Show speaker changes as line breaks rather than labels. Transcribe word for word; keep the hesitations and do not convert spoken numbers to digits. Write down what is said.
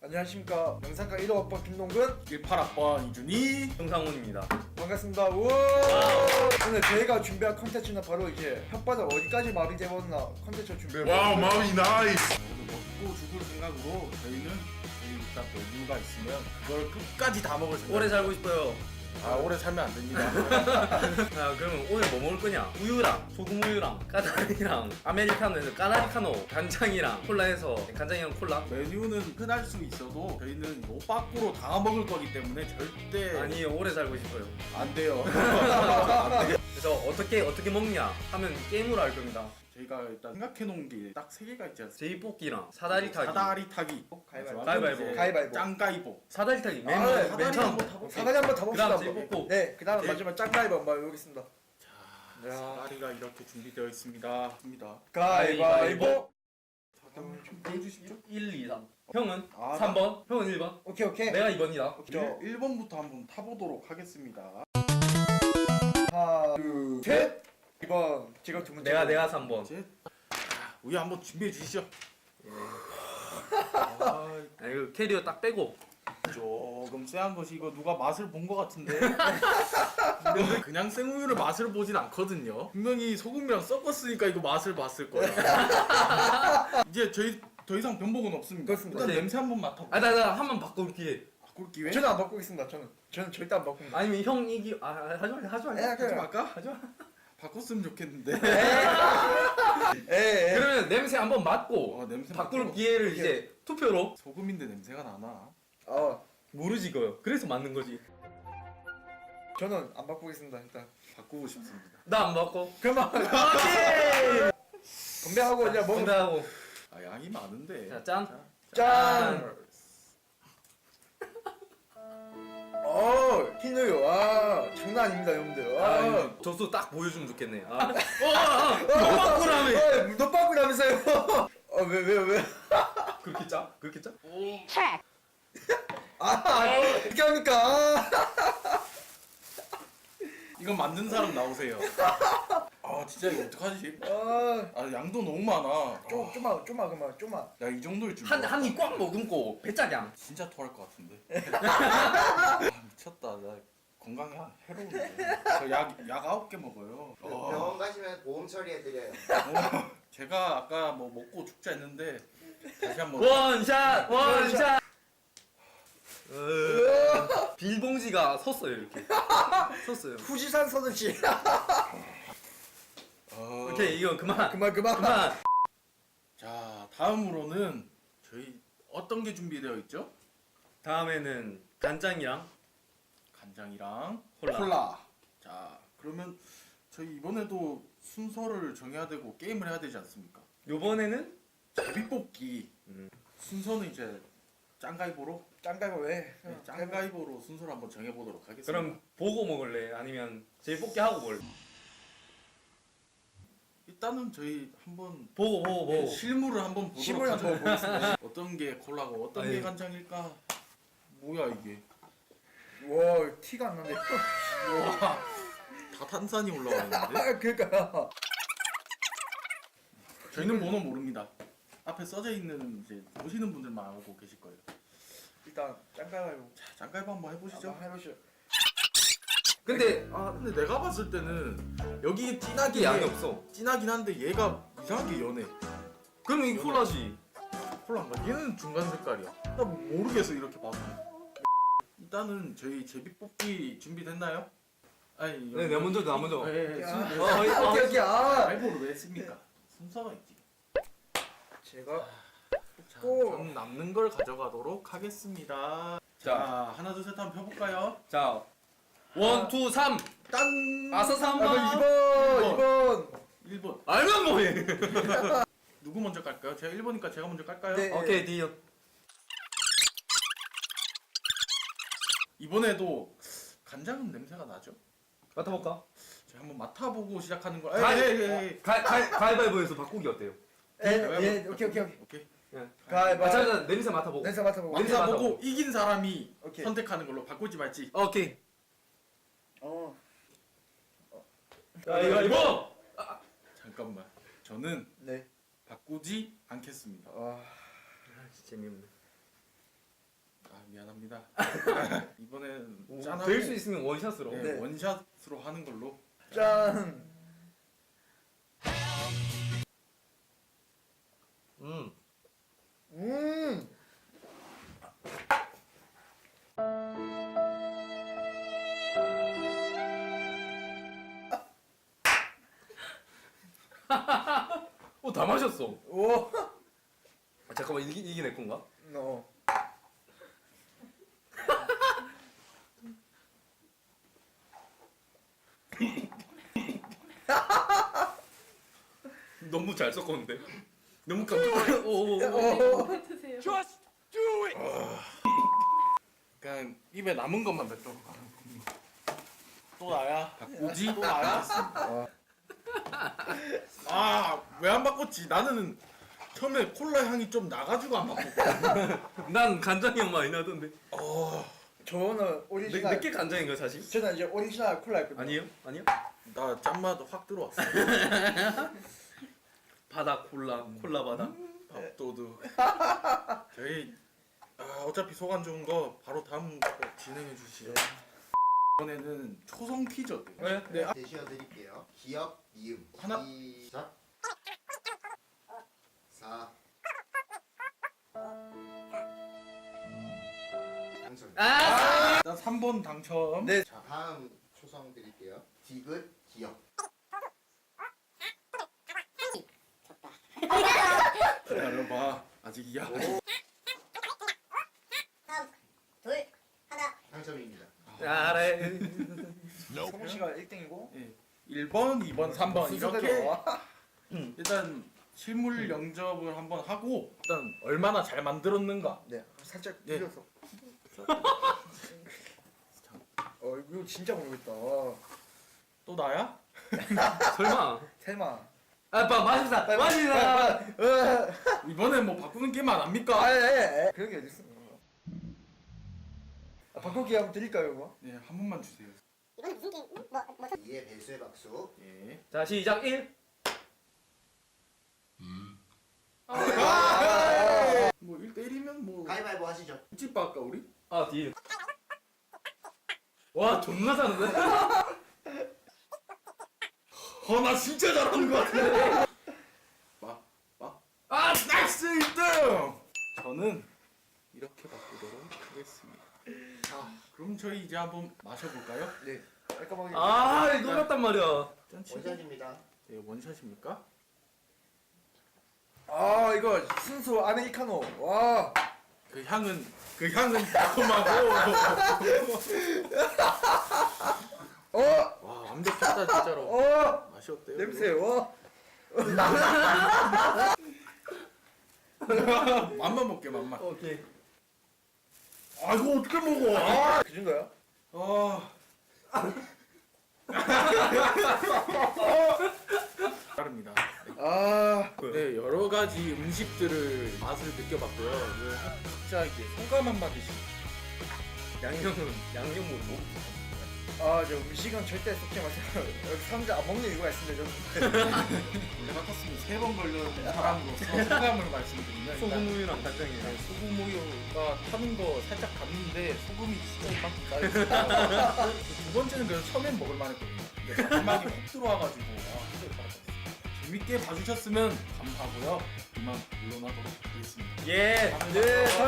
안녕하십니까. 영상과 일 호학번 김동근,
십팔 학번 이준희,
정상훈입니다.
반갑습니다. 우와! 오늘 저희가 준비한 컨텐츠는 바로 이제 혓바닥 어디까지 마비 재웠나 컨텐츠 준비해봤습니다.
와우 마비 나이스. 먹고 죽을 생각으로 저희는 저희 일단 메뉴가 있으면 그걸 끝까지 다 먹을 생각.
오래 살고 싶어요.
아 오래 살면 안 됩니다.
자, 그러면 오늘 뭐 먹을 거냐? 우유랑 소금 우유랑 까나리랑 아메리카노에서 까나리카노, 간장이랑 콜라에서 간장이랑 콜라.
메뉴는 흔할 수 있어도 저희는 요 밖으로 다 먹을 거기 때문에 절대
아니 오래 살고 싶어요.
안 돼요.
그래서 어떻게 어떻게 먹냐 하면 게임으로 할 겁니다.
저희가 일단 생각해 놓은 게 딱 세 개가 있지 않습니까?
제이뽑기랑 사다리 타기.
사다리 타기.
가위바위보.
가위바위보.
이제
가위바위보.
짱가위보.
사다리 타기 맨
아,
맨
네,
사다리
처음.
한번 타볼게요.
사다리 한번 타봅시다.
그다음
한번.
제이뽑고.
네, 그 다음
제-
마지막 짱가위바 한번 해보겠습니다.
자, 사다리가 이렇게 준비되어 있습니다. 입니다.
가위바위보.
잠깐만 좀 보여주십시오.
일, 이, 삼. 형은
아,
삼 번, 형은 일 번,
오케이 오케이.
내가 이 번이다.
저
일 번부터 한번 타보도록 하겠습니다.
하나, 둘, 셋. 이 번 제가 두 번째.
내가 내가 삼 번.
이제 우유 한번 준비해 주시죠.
아, 이거 캐리어 딱 빼고.
조금 쎄한 것이 이거 누가 맛을 본 것 같은데. 그냥 생우유를 맛을 보진 않거든요. 분명히 소금이랑 섞었으니까 이거 맛을 봤을 거야. 이제 저희 더 이상 변복은 없습니다.
그렇습니다.
일단
네.
냄새 한번 맡아볼게요.
아, 나 나 한 번 바꿀 기회.
바꿀 기회?
저는 안 바꾸겠습니다. 저는 저는 절대 안 바꿉니다.
아니면 형 이기 아 하지 마 하지 마.
에,
하지
그래.
말까?
하지 마.
바꿨으면 좋겠는데.
에, 에.
그러면 냄새 한번 맡고
어, 냄새
바꿀
맡고.
기회를 이제 투표로.
소금인데 냄새가 나나?
어,
모르지 그요. 그래서 맞는 거지.
저는 안 바꾸겠습니다. 일단.
바꾸고 싶습니다.
나 안 바꿔.
그만.
오케이.
건배하고 이제 먹으면.
건배하고.
아 양이 많은데.
자 짠.
짠. 어, 흰우유. 와, 장난 아닙니다, 여러분들.
아,
아,
이거 저수 딱 보여주면 좋겠네. 아. 어, 어, 너 바꾸라며.
어, 너 바꾸라면서요? 어, 왜, 왜, 왜?
그렇게 짜? 그렇게 짜?
아, 어떻게 합니까?
이건 만든 사람 나오세요. 아 진짜 이거 어떡하지?
아,
아 양도 너무 많아.
좀, 좀만, 좀만, 그만, 좀만.
야 이 정도일 줄.
한
몰라.
한 입 꽉 머금고 배짜량.
진짜 토할 것 같은데. 아, 미쳤다. 나 건강에 해로운데. 저약약 아홉 개 먹어요. 어,
병원 가시면 보험 처리해드려요.
어, 제가 아까 뭐 먹고 죽자 했는데 다시 한번.
원샷 원샷. 어, 비닐봉지가 섰어요 이렇게. 섰어요.
후지산 서든지.
어,
오케이 이거 그만.
그만, 그만.
그만.
자 다음으로는 저희 어떤 게 준비되어 있죠?
다음에는 간장이랑
간장이랑
콜라.
자 그러면 저희 이번에도 순서를 정해야 되고 게임을 해야 되지 않습니까?
요번에는
제비뽑기.
음.
순서는 이제 짱가이보로
짱가가 왜?
네, 짱가이보로 순서를 한번 정해보도록 하겠습니다.
그럼 보고 먹을래? 아니면 제일 뽑기 하고 먹을래?
일단은 저희 한번
보고 보고
예,
보고.
실물을 한번 보도록
실물
하죠.
한번 보겠습니다.
어떤 게 콜라고 어떤
아니.
게 간장일까? 뭐야 이게?
와, 티가 안 나네.
와, 다 탄산이 올라와 있는데?
아, 그러니까.
저희는 번호 모릅니다. 앞에 써져 있는 이제 보시는 분들만 알고 계실 거예요.
일단 짱가가요.
자, 짱가이보 한번 해보시죠.
한번 해보시죠.
근데
아 근데 내가 봤을 때는 여기 진하게
이게 양이 없어.
진하긴 한데 얘가 이상하게 연해.
그럼 이 콜라지.
콜라인가? 얘는 중간 색깔이야. 나 모르겠어 이렇게 봐서. 일단은 저희 제비뽑기 준비됐나요? 아니
네, 내가 먼저, 나 먼저.
예, 예,
야.
순-
어,
오케이,
어,
오케이. 아,
알보를 왜 했습니까? 순서가 있지.
제가
자,
오.
저는 남는 걸 가져가도록 하겠습니다. 자,
자.
하나 둘 셋 한번 펴볼까요?
자, 원, 투, 삼.
딴!
아싸
아,
삼
그
번.
이 번, 이 번.
일 번.
알면 뭐해?
누구 먼저 깔까요? 제가 일 번이니까 제가 먼저 깔까요?
네.
오케이 디어.
이번에도 간장은 냄새가 나죠?
맡아볼까?
제가 한번 맡아보고 시작하는 거.
가-
에이, 에이, 에이.
가, 가, 가위바위보에서 바꾸기 어때요?
예, 예, 오케이, 오케이, 오케이.
오케이.
예.
가위바위보.
아, 잠깐 냄새 맡아보고.
냄새 맡아보고.
냄새
맡아보고 이긴 사람이
오케이.
선택하는 걸로 바꾸지 말지.
오케이.
어.
가위바위보.
잠깐만. 저는
네.
바꾸지 않겠습니다.
와.
아, 진짜 재미없네.
아 미안합니다. 이번엔 짠하고
될 수 있으면 원샷으로.
네,
네.
원샷으로 하는 걸로.
짠.
음.
음.
어, 다 마셨어.
오.
아, 잠깐만 이게 이게 내 건가?
어.
너무 잘 섞었는데. 너무 깜짝 놀랐어. 오.
어.
드세요.
그냥 입에 남은 것만 뱉도록 하는 겁니다. 또 나야? 바꾸지? 또 나야? 아왜 안 바꿨지? 나는 처음에 콜라 향이 좀 나가지고 안 바꿨고.
난 간장이 형 많이 나던데.
어,
저는 오리지널.
몇개 간장인가 사실?
저는 이제 오리지널 콜라 했거든요.
아니에요? 아니요?
나 짠맛 확 들어왔어.
바다 콜라, 콜라 바다.
밥도둑. 저희 아, 어차피 속 안 좋은 거 바로 다음 거 진행해 주시죠. 이번에는 초성 퀴즈.
네.
네. 아,
제시어 드릴게요. 기억, 이음.
하나.
시작. 사. 당첨.
아!
일단 삼 번 당첨.
네.
자, 다음 초성 드릴게요. 디귿, 기억.
기다려봐. 아직이야.
둘, 하나.
당첨입니다.
알아요.
성우 씨가 일 등이고.
예. 일 번, 이 번, 삼 번 이렇게
순서대로.
일단 실물 영접을 한번 하고 일단 얼마나 잘 만들었는가.
네. 살짝
네.
빌려서. 어 이거 진짜 모르겠다.
또 나야?
설마.
설마.
아, 빠 마시다. 마시다.
이번엔 뭐 바꾸는 게임 안 합니까?
아예 그런 게 어딨어. 아, 바꾸기 한번 드릴까요 이거?
네, 한 번만 주세요.
이거는 무슨 게임? 뭐, 뭐,
이에 배수의 박수.
예.
자, 시작 일.
뭐 일 대 일이면 뭐
가위바위보 하시죠.
집 바까 우리?
아, 뒤에. 와, 존나 잘하는데?
아, 나 진짜 잘하는 것 같아. 봐, 봐. 아, 나이스 일 등! 저는 이렇게 바꾸도록 하겠습니다. 자, 그럼 저희 이제 한번 마셔볼까요?
네. 깔끔하게.
아, 이거 같단 말이야.
짠 치고.
원샷입니다.
네, 원샷입니까?
아 이거 순수 아메리카노. 와.
그 향은 그 향은 달콤하고
어.
와 완벽했다 진짜로.
어.
맛이 어때요?
냄새. 와.
맛만 볼게 맛만.
오케이.
아 이거 어떻게 먹어? 아.
그 정도야?
아. 다릅니다.
아.
네 여러 가지 음식들을 맛을 느껴봤고요. 네, 각자 이제 소감 한마디씩.
양념은 양념으로.
아, 저 음식은 절대 섞지 마세요. 여기 사람들 안 먹는 이유가 있습니다. 좀.
원래 같았으면 세 번 걸려는 사람으로서 소감을 말씀드리면
소금
일단
우유랑 간장이랑.
네, 소금 우유가 타는 거 살짝 갔는데 소금이 진짜 이만큼 쌓여있어요. 두 번째는 그래서 처음엔 먹을만했거든요. 근데 마지막에 훅 들어와가지고 아 진짜 잘했어요. 재밌게 봐주셨으면 감사하고요. 이만 물러나도록 하겠습니다.
예.
네,